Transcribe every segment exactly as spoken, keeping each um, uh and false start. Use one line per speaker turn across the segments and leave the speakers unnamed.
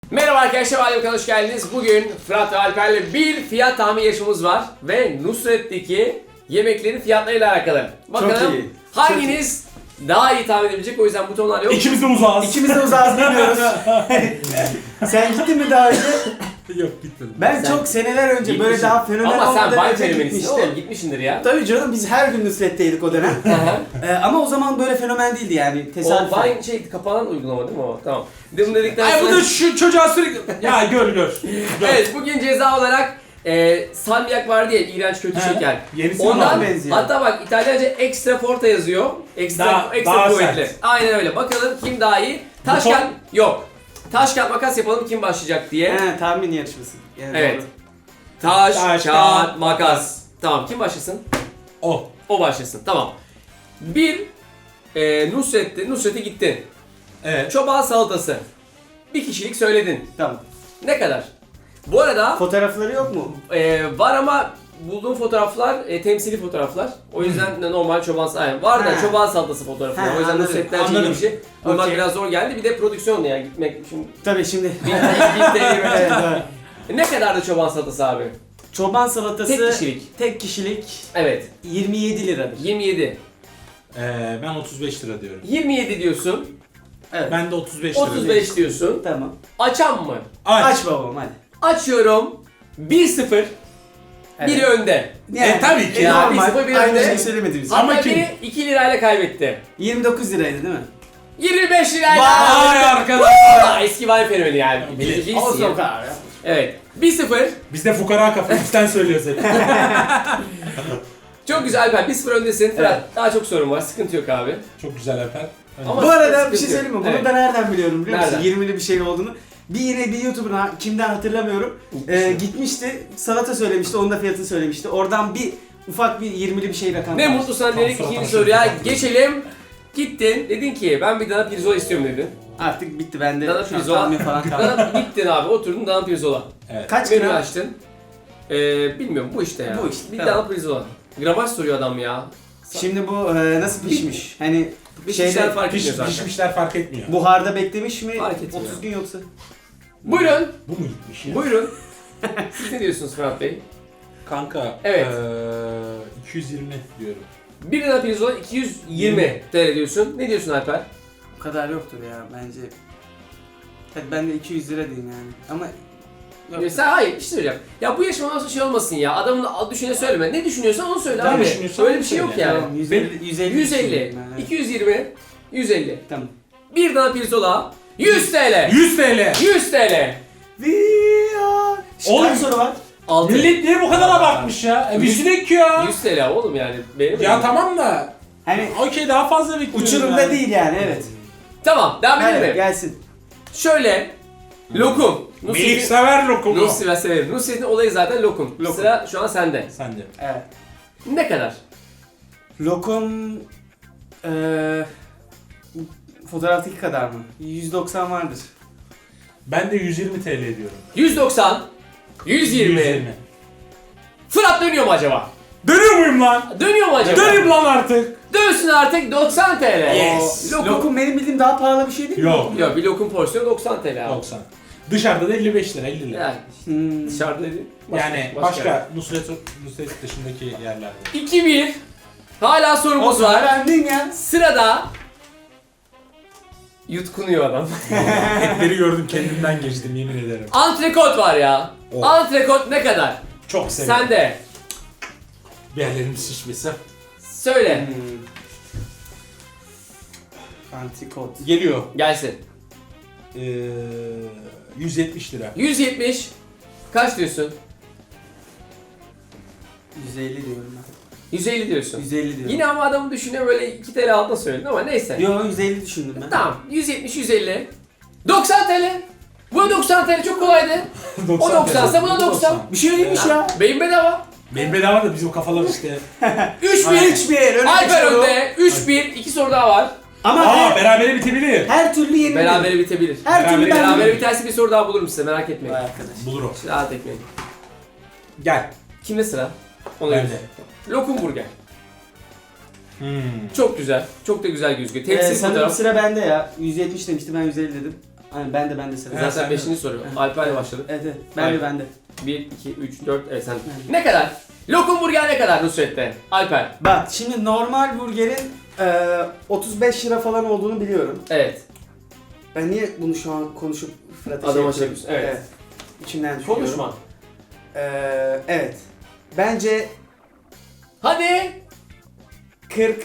Merhaba arkadaşlar, Alper'e hoş geldiniz. Bugün Fırat ve Alper'le bir fiyat tahmin yarışmamız var ve Nusret'teki yemeklerin fiyatlarıyla alakalı. Bakalım
Çok iyi.
hanginiz daha iyi tahmin edebilecek, o yüzden butonlar yok.
İkimiz de uzağız.
İkimiz de uzağız bilmiyoruz. Sen gittin mi daha önce?
Yok gitmedim.
Ben
Sen
çok seneler önce böyle
Gitmişsin.
daha fenomen
Ama sen
olmadan
Vine
önce
fenomenisin
gitmiştim.
oğlum, gitmişsindir ya.
Tabii canım, biz her gün Nusret'teydik o dönem. Ee, ama o zaman böyle fenomen değildi yani.
O
Tesadüfen.
Vine şey kapanan uygulama değil mi o? Tamam. Bunu dedikten
Ay bu
sonra...
da şu çocuğa sürekli... Ya gör gör. Gör.
Evet, bugün ceza olarak e, salmiak var diye iğrenç kötü
He.
şeker.
Yenisi
Ondan
Ondan
benziyor.
hatta bak İtalyanca extra forte yazıyor. Ekstra
Daha-
ekstra
daha
kuvvetli.
sert.
Aynen öyle. Bakalım kim daha iyi? Taş
Buton-
kağıt yok. Taş kağıt makas yapalım, kim başlayacak diye.
He, tahmin yarışması. Yani
Evet.
doğru.
Taş,
Taş,
kağıt,
kağıt,
makas. Tamam, kim başlasın?
O.
O başlasın. Tamam. Bir e, Nusret'ti. Nusret'e gittin.
Evet.
Çoban salatası. Bir kişilik söyledin.
Tamam.
Ne kadar? Bu arada
Fotoğrafları yok mu?
e, var ama bulduğum fotoğraflar e, temsili fotoğraflar. O yüzden de normal çoban salatası. Var da
Ha.
çoban salatası fotoğrafı.
Ha,
O yüzden
anladım,
Nusret'ten
anladım.
çekilmiş bir şey. Bulmak
Okey.
biraz zor geldi. Bir de prodüksiyon yani gitmek şimdi.
Tabii şimdi.
bin T L
Evet, doğru.
Ne kadardı çoban salatası abi?
Çoban salatası
Tek kişilik.
tek kişilik
Evet.
yirmi yedi liradır.
yirmi yedi.
Ee, ben otuz beş lira diyorum.
yirmi yedi diyorsun.
Evet.
Ben de otuz beş lira
otuz
diyorum.
beş diyorsun.
Tamam.
Açan mı?
Aç.
Aç babam hadi.
Açıyorum. bir sıfır. Biri önde.
E, tabii ki
E,
ya,
normal.
bir sıfır bir
Aynı
önde.
şeyi söylemediniz.
Ama
Hatta
kim?
biri iki lirayla kaybetti.
yirmi dokuz liraydı değil mi?
yirmi beş lirayla.
Vay arkadaş.
Aa, eski Vine fenomeni yani.
Bilir.
Bilirsin
Olsun
ya.
o kadar ya.
Evet. bir sıfır.
Biz de fukara kafa üstten söylüyoruz hep.
Çok güzel Alper. bir sıfır öndesin. Fırat,
Evet.
daha çok sorun var. Sıkıntı yok abi.
Çok güzel Alper.
Ama
Bu arada
sıkıntı
bir şey
yok.
söyleyeyim mi? Bunu
Evet.
da nereden biliyorum biliyor musun?
Nereden?
yirmili bir şey olduğunu. Bir yine bir YouTuber'ın ha- kimden hatırlamıyorum. Ee, gitmişti, salata söylemişti, onun da fiyatını söylemişti. Oradan bir ufak bir yirmili bir şey rakam
Ne
var.
mutlu sana
Tam
dedik,
suratına
ikinci
şöyle
soruya
bir
geçelim. Gittin, dedin ki ben bir dana pirzola istiyorum dedin.
Artık bitti bende.
Dana
şu an
pirzola.
tahmin falan kaldı.
Dana, gittin abi, oturdun dana pirzola.
Evet.
Kaç
Menü
gram?
açtın. Ee, bilmiyorum, bu işte ya.
Bu işte,
Bir
tamam.
dana pirzola. Gramaj soruyor adam ya.
Şimdi bu e, nasıl pişmiş? Hani
Bir
şeyde
şeyler fark
Piş,
etmiyor zaten.
pişmişler fark etmiyor.
buharda beklemiş mi?
Fark etmiyor.
otuz gün yoksa?
Buyurun,
Bu mu gitmiş ya?
buyurun. Siz ne diyorsunuz Fırat Bey?
Kanka.
Evet.
Ee, iki yüz yirmi diyorum.
Bir dana pirzola iki yüz yirmi T L diyorsun. Ne diyorsun Alper?
Bu kadar yoktur ya bence. Hadi ben de iki yüz lira diyeyim yani. Ama yok.
Ya sen hayır, bir şey söyleyeceğim. Ya bu yarışma nasıl şey olmasın ya. Adamın adı düşüne söyleme. Ne düşünüyorsan onu söyle
Ne
abi.
düşünüyorsan
Öyle
onu
bir şey yok
söyle.
yani.
Tamam, yüz elli, yüz elli.
yüz elli,
düşünüyorum ben, evet.
iki yüz yirmi, yüz elli.
Tamam.
Bir dana pirzola yüz T L.
yüz T L.
yüz T L.
We are...
Oğlum-
Kaç soru var?
altı.
Millet niye bu kadar abartmış ya? E, bir sinek ya.
yüz T L oğlum yani. Benim
Ya tamam da.
Hani
Okey, daha fazla bekliyorum.
uçurumda
yani.
değil yani, evet.
Tamam, devam edelim
Hadi
mi?
gelsin.
Şöyle, lokum.
Melih
Nusret'in,
sever lokumu.
Nusret'in severim. Nusret'in olayı zaten lokum.
Lokum.
Sıra şu an sende.
Sen de.
Evet.
Ne kadar?
Lokum... Eee... Fotoğraftaki kadar mı? yüz doksan vardır.
Ben de yüz yirmi T L diyorum.
yüz doksan, yüz yirmi. Fırat dönüyor mu acaba?
Dönüyor muyum lan?
Dönüyor mu acaba?
Döneyim lan artık.
Dönsün artık doksan T L.
Yes.
O-
Lokum.
Lokum benim bildiğim daha pahalı bir şey değil mi?
Yok.
Yok, bir lokum porsiyonu doksan T L abi.
doksan. Dışarıda da elli beş lira, elli lira.
Yani
Hmm.
dışarıda dedi.
yani başka, Nusret, Nusret dışındaki yerlerde.
iki bir. Hala sorumuz var.
Öğrendin ya.
Sırada yutkunuyor adam.
Etleri gördüm, kendimden geçtim, yemin ederim.
Antrikot var ya.
Oh.
Antrikot ne kadar?
Çok severim.
Sen de
Bir yerlerim şişmesi.
söyle.
Hmm. Antikot.
Geliyor.
Gelsin.
Ee, yüz yetmiş lira.
yüz yetmiş. Kaç diyorsun?
yüz elli diyorum ben.
yüz elli diyorsun.
yüz elli diyorum.
Yine ama adamı düşünüyor, böyle iki T L altına söyledin ama neyse.
Yo, yüz elli düşündüm ben.
Tamam. yüz yetmiş, yüz elli. doksan T L. Bu doksan T L çok kolaydı. O doksansa bu da doksan.
Bir şey değilmiş ya.
Beyin bedava.
Benim bedava da bizim kafalar işte.
üç
Ay,
bir.
üç bir. Öyle
Alper
bir şey
önde. üç bir. iki soru daha var.
Ama
Aa,
her,
berabere bitebilir.
her türlü yeni.
Berabere bitebilir.
Her türlü
Berabere-
ben
Berabere biterse bir soru daha bulurum size, merak etmeyin.
Vay arkadaş.
Bulur o.
Rahat etmeyin.
Gel.
Kimde sıra? Ona
Bende.
göre. Lokum burger.
Hmm.
Çok güzel. Çok da güzel gözüküyor.
Ee,
Temsil
sanırım
fotoğraf.
sıra bende ya. yüz yetmiş demişti, ben yüz elli dedim. Aynen ben de ben de sıra.
Evet.
Zaten
sen
beşinci
de.
soru.
Evet.
Alper'le başladık.
Evet evet. Ben
Aynen.
de ben de.
bir, iki, üç, dört, evet sen.
Evet.
Ne kadar? Lokum burger ne kadar Nusret'te? Alper.
Bak şimdi normal burgerin e, otuz beş lira falan olduğunu biliyorum.
Evet.
Ben niye bunu şu an konuşup Fırat'a
Adama
şey
şey
yapıyorum?
yapıyorsun, evet.
İçimden düşünüyorum.
Konuşma.
Ee, evet. Bence
Hadi.
kırk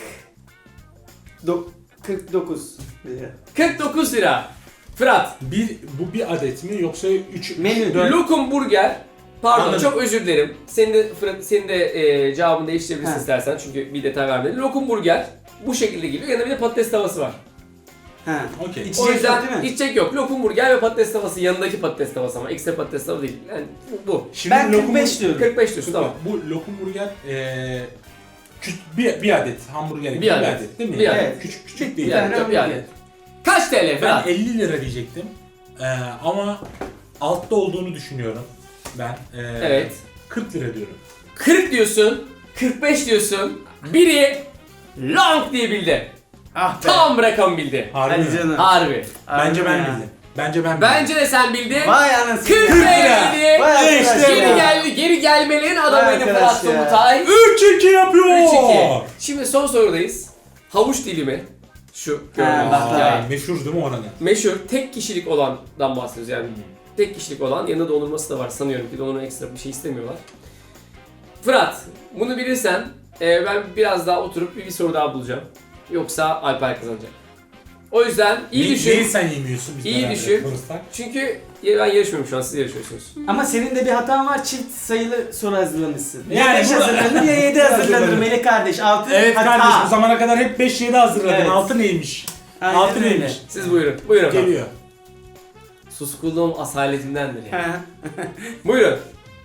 do- kırk dokuz lira.
kırk dokuz lira. Fırat.
Bir, bu bir adet mi yoksa üç,
Menü.
dört?
Lokum burger. Pardon
Anladım.
çok özür dilerim. Senin de Fırat, senin de e, cevabını değiştirebilirsin
Ha.
istersen çünkü bir detay vermedin. Lokum burger bu şekilde geliyor. Yanında bir de patates tavası var.
Ha.
Okey.
İç-
O
İçecek
yüzden
yok değil mi?
içecek yok. Lokum burger ve patates tavası yanındaki patates tavası ama ekstra patates tavası değil. Yani bu. bu.
Şimdi
Ben
lokum-
kırk beş diyorum.
kırk beş diyorsun tamam.
Bu lokum burger eee küçük bir, bir adet hamburger gibi
Bir
bir
adet.
adet, değil mi?
Bir
Yani
adet.
Küçük küçük
Bir
değil.
tane
Yani, bir
hamburger.
adet. Kaç T L
Ben
Fırat?
elli lira diyecektim. Eee, ama altta olduğunu düşünüyorum. Ben eee,
Evet.
kırk lira diyorum.
kırk diyorsun, kırk beş diyorsun. Biri long diye bildi.
Ah be.
Tam rakam bildi.
Harbi
Hadi
mi?
canım.
Harbi.
Bence ben
ya.
bildim. Bence ben bildim.
Bence de sen bildin.
Vay anasını.
kırk
ya.
liraydı.
Vay
İşte
arkadaş
geri
ya.
geldi, geri gelmelerin adamıydı
arkadaş
Fırat
ya.
Tomutay.
üç iki yapıyor.
üç iki. Şimdi son sorudayız. Havuç dilimi. Şu gördüğünüz
bak,
hikaye.
Aa, meşhur değil mi oranın?
Meşhur tek kişilik olandan bahsediyoruz yani. Tek kişilik olan yanında dondurması da var sanıyorum ki dondurma ekstra bir şey istemiyorlar. Fırat bunu bilirsen e, ben biraz daha oturup bir, bir soru daha bulacağım. Yoksa Alper kazanacak. O yüzden iyi
Ne-
düşün.
Neyi sen yemiyorsun biz
İyi
beraber
düşün.
konuşsak?
Çünkü ya ben yarışmıyorum şu an siz yarışıyorsunuz.
Ama senin de bir hatan var. Çift sayılı soru hazırlamışsın. Ya
Yani
beş
burada-
hazırlanır ya yedi hazırlanır
Hazırlanır.
Melek kardeş. altı
Evet
hata.
kardeş bu zamana kadar hep beş yedi hazırladın.
Evet.
altı neymiş?
Aynen
altı
öyle.
neymiş?
Siz buyurun. Buyurun. efendim.
Geliyor.
Suskunluğum asaletimdendir yani.
Ha.
Buyurun.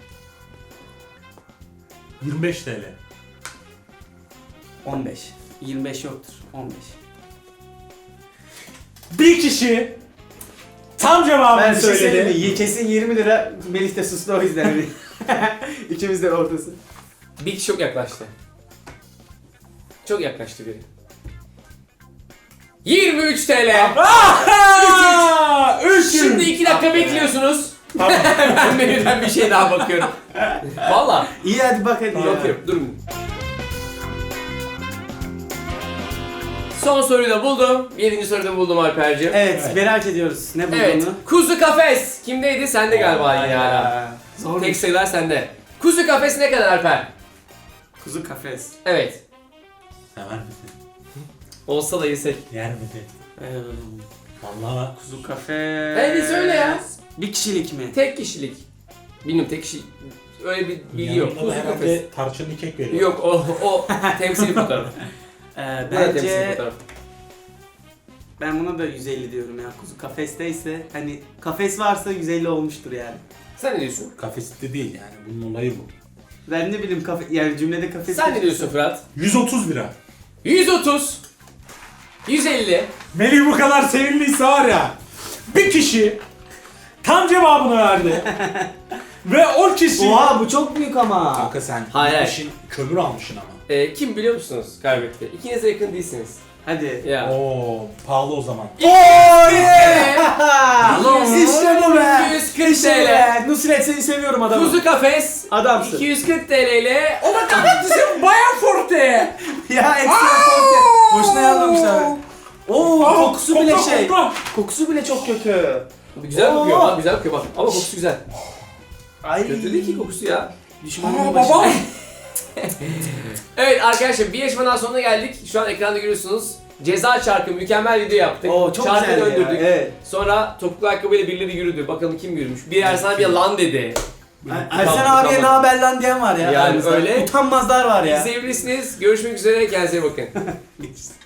yirmi beş TL.
on beş. yirmi beş yoktur. on beş.
Bir kişi tam
Ben
cevabını
bir şey söyleyeyim
söyledi.
mi? Kesin yirmi lira. Melih de sustu o yüzden. İkimiz de ortası.
Bir kişi çok yaklaştı. Çok yaklaştı biri. yirmi üç T L.
Aa, üç
Şimdi iki dakika bekliyorsunuz.
Tamam.
Ben menüden bir şey daha bakıyorum. Valla.
İyi hadi bak hadi. ya.
Bakıyorum. Durun. Son soruyu da buldum. Yedinci soruyu da buldum Alper'ciğim.
Evet,
Evet.
merak ediyoruz. Ne bulduğunu.
Evet. Kuzu kafes. Kimdeydi? Sende galiba yine hala.
Ya. Zor.
Tek sayılar sende. Kuzu kafes ne kadar Alper?
Kuzu kafes.
Evet.
Sever misin?
Olsa da yesek.
Yer misin?
Ee,
Vallahi
kuzu kafes.
Hey, söyle ya.
Bir kişilik mi?
Tek kişilik. Bilmiyorum tek kişi. Öyle bir bilgi yok.
yanında da
Kuzu kafes.
herhalde tarçınlı kek veriyor.
Yok o o temsili fotoğraf.
Ee,
Bu da temsili
bence
fotoğraf.
ben buna da yüz elli diyorum ya. Kuzu kafesteyse hani kafes varsa yüz elli olmuştur yani.
Sen ne diyorsun?
Kafeste değil yani bunun olayı bu.
Ben ne bileyim kafe yani cümlede kafes.
Sen ne diyorsun Fırat?
yüz otuz lira.
yüz otuz. yüz elli.
Melih bu kadar sevimliyse var ya. Bir kişi tam cevabını verdi. Ve o kişi...
Oha bu çok büyük ama.
Kanka sen
Hayır, hayır.
işin kömür almışsın ama.
Ee, kim biliyor musunuz kaybetti? İkiniz de yakın değilsiniz.
Hadi.
Ya.
Oo pahalı o zaman.
Ooo
İşte
bu be.
iki yüz kırk
İşte
T L.
be. Nusret seni seviyorum adamım.
Kuzu kafes
Adamsın.
iki yüz kırk T L ile
O da kapatıcı bayağı forte.
Ya ekstra forte. Boşuna yazmamışlar. Oo
Aa,
kokusu bile
kokla,
şey.
kokla.
Kokusu bile çok kötü.
güzel
Oo.
kokuyor bak güzel kokuyor bak ama kokusu güzel.
Ay.
Kötü değil ki kokusu ya.
Düşmanımın
Aa,
başına.
baba.
Evet arkadaşlar bir yarışmadan sonuna geldik. Şu an ekranda görüyorsunuz. Ceza çarkı mükemmel video yaptık.
Oo çok
Çarkı
güzel ya.
döndürdük.
Evet.
Sonra topuklu ayakkabıyla birileri yürüdü. Bakalım kim yürümüş. Bir Ersan bir lan dedi.
Ersen
Tamam,
abiye
tamam.
ne haber lan diyen var ya.
Yani
aramızda.
öyle.
Utanmazlar var ya.
İzleyebilirsiniz. Görüşmek üzere. Kendinize iyi bakın.